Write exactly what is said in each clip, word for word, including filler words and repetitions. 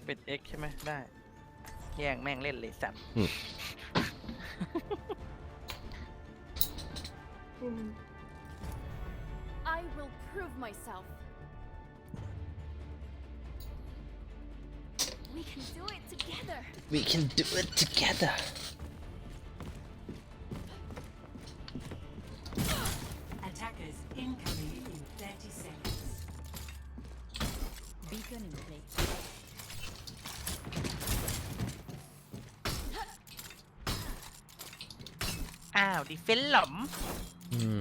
เป็น X ใช่ไหมได้แย่งแม่งเล่นเลยสัตว์ I will prove myself. We can do it together. We can do it together Attackers incoming in thirty seconds. Beacon in place. อ้าวดิเฟนหล่อมอืม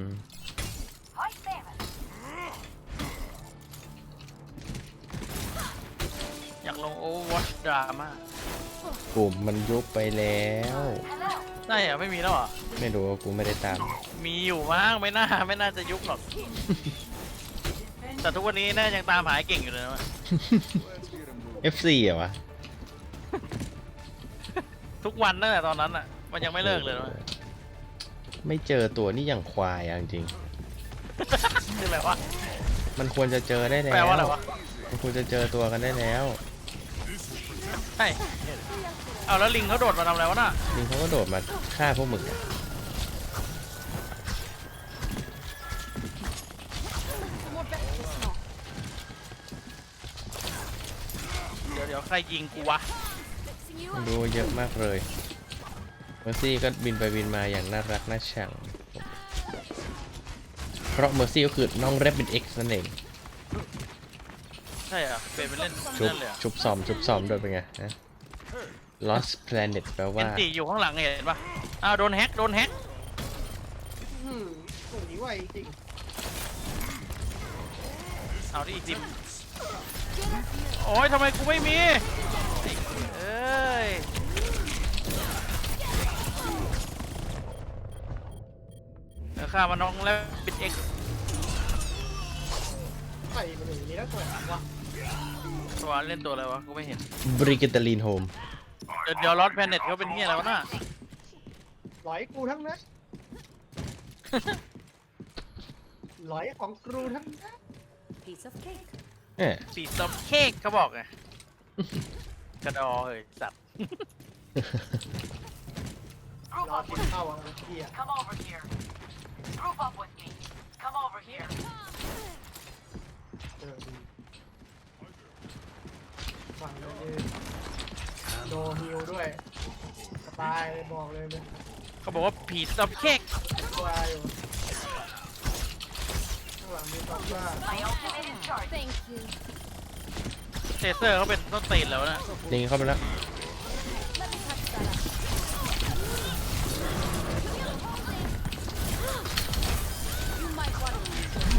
อยากลงโอเวอร์วอชดราม่ากลุ่มมันยุบไปแล้วได้เหรอไม่มีแล้วเหรอไม่รู้ว่ากูไม่ได้ตามมีอยู่มั้งไม่น่าไม่น่าจะยุบหรอก แต่ทุกวันนี้น่ายังตามหาไอ้เก่งอยู่เลยนะเอฟ ซี เหรอวะทุกวันตั้งแต่ตอนนั้นอ่ะมันยังไม่เลิกเลยนะไม่เจอตัวนี่อย่างควายอะจริงคืออะไรวะๆมันควรจะเจอได้แล้วแปลว่าอะไรวะมันควรจะเจอตัวกันได้แล้วใช่เอาแล้วลิงเขาโดดมาทำอะไรวะน่ะลิงเขาก็โดดมาฆ่าพวกมึงอะ More breakfast now. เดี๋ยวเดี๋ยวใครยิงกูวะ Fixing you มัน up. ดูเยอะมากเลยเมอร์ซี่ก็บินไปบินมาอย่างน่ารักน่าชังเพราะเมอร์ซี่ก็คือน้องแรบบิน X นั่นเองใช่เหรอเป็นไปเล่นชุบเล่นเลยเหรอชุบซ้อมชุบซ้อมด้วยเป็นไงนะ Lost Planet แปลเอ็ว่านจีอยู่ข้างหลังเห็นปะอ้าวโดนแฮกโดนแฮกอืมโอ้ยไวจริงเอาดิอีกทีโอ้ยทำไมกูไม่มีเอ้ยเดี๋ยวข้ามาน้องแล้วปิดเอ็กใส่มันอย่างนี้แล้วตัววะตัวเล่นตัวอะไรวะกูไม่เห็นบริกิตาลีนโฮมเดี๋ยวเดี๋ยวลอสแพนเน็ตเขาเป็นเฮียอะไรวะน่ะหลอยกูทั้งนั้นหลอยของครูทั้งนั้น Piece of cake. เอ๊ะปีซอมเค้กเขาบอกไงกระดอเฮ้ยสัตว์รอกินข้าวอ่ะเฮีย Come over here. Group up with me. Come over here. เออดีฝั่งเลยโดฮิลด้วยสบายบอกเลยเนี่ยเขาบอกว่าผีซอมเค้กตัวอยู่ข้างหลังมีตอกว่า My ultimate is charged. Thank you. เซเซอร์เขาเป็นต้นตีนแล้วนะลิงเข้าไปแล้ว Let me touch that up. You might want to.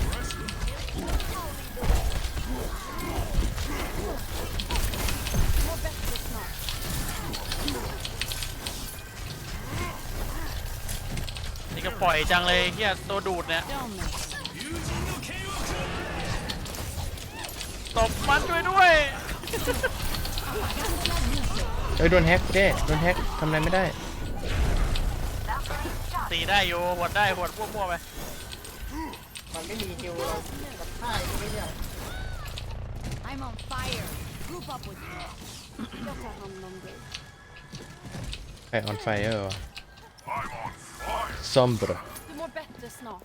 More breakfast now. นี่ก็ปล่อยจังเลยเฮียตัวดูดเนี่ย Don't mess. ตบมันด้วยด้วยเอ้ยโดนแฮกเจ้โดนแฮกทำอะไรไม่ได้ตีได้อยู่หวดได้หวดมั่วๆไปมันไม่มีฮิลเรากับท่ายไม่เนี่ย I'm on fire. Group up with me. Look at how hungry. ใครออนไฟเออร์ซอมบร Do more breakfast now.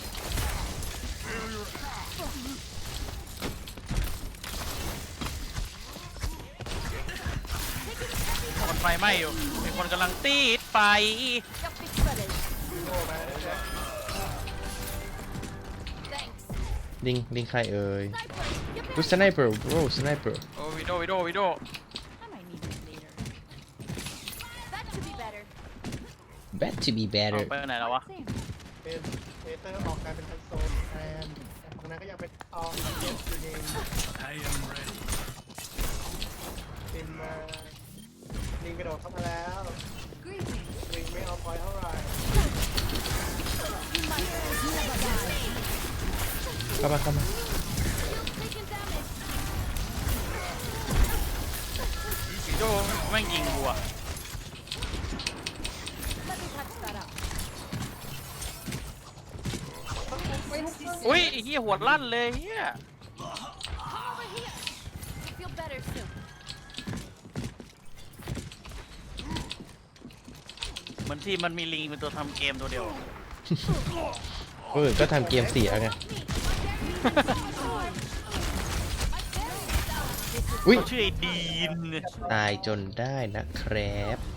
คนไฟไหม้อยู่มีคนกำลังตีดไฟ Got big fellas. โง่ไปนะ Thanks. ลิงลิงใครเอ่ย Sniper. Get รู back. สไนเปอร์โอ้สไนเปอร์โอ้วิโดวิโดวิโด I might need this later. That should be better. bad to be เอา better ไปไหนแล้ววะ Same. เป็นเอเตอร์ออกกลายเป็นทันโซนแทนแต่ฝั่งนั้นก็ยังเป็นออมเยสอยู่เอง I am ready. ลิงมาลิงกระโดดเข้ามาแล้ว Greetings. ลิงไม่เอาพอยเท่าไหร่ You might never die. เข้ามาเข้ามา Taking damage. วิโดแม่งยิงกูอะ Let me touch that up. อุ้ยไอ้เหี้ยหัวลั่นเลยเหี้ย Come over here. Feel better soon. ทีมมันมีลิงเป็นตัวทำเกมตัวเดียวเออก็ทำเกมเสียไง อุ๊ยเขาชื่อไอ้ดีนตายจนได้นะครับ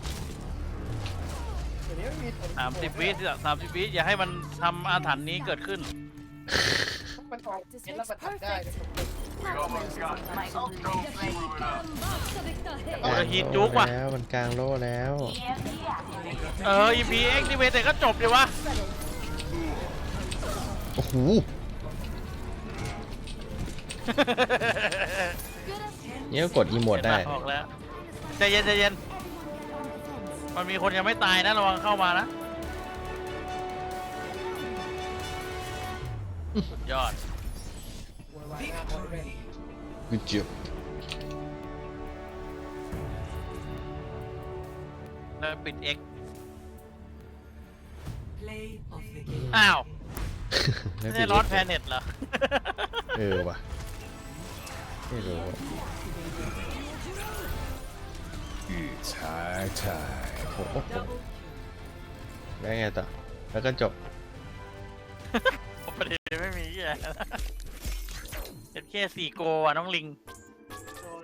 เดี๋ยวนี้ไม่มีผลสามสิบวิสามสิบวิอย่าให้มันทำอาถรรพ์นี้เกิดขึ้นมันออกเห็นแล้วมันทำได้เลย My ultimate is ready. โอ้ยฮีทจุกว่ะแล้วมันกลางโล่แล้ว E M P activated. เออ อี พี เอ็กซ์ นี่เวแต่ก็จบเลยวะโอ้โห เนี่ยก็กดอีโมดได้เห็นปะออกแล้วใจเย็นใจเย็น มันมีคนยังไม่ตายนะระวังเข้ามานะสุดยอดโวยวายหน้าคนเลย Good job แล้วปิด X Play of the game. อ้าวแล้วไม่ปิใช่ดลอลิดฟต์แพเน็ตเหรอเออว่ะ ไม่รู้ It's high time. โอ้โหแล้วไงต่อ แล้วก็จบประเด็นไม่มีแย่เป็นแค่สี่โกว่ะน้องลิง An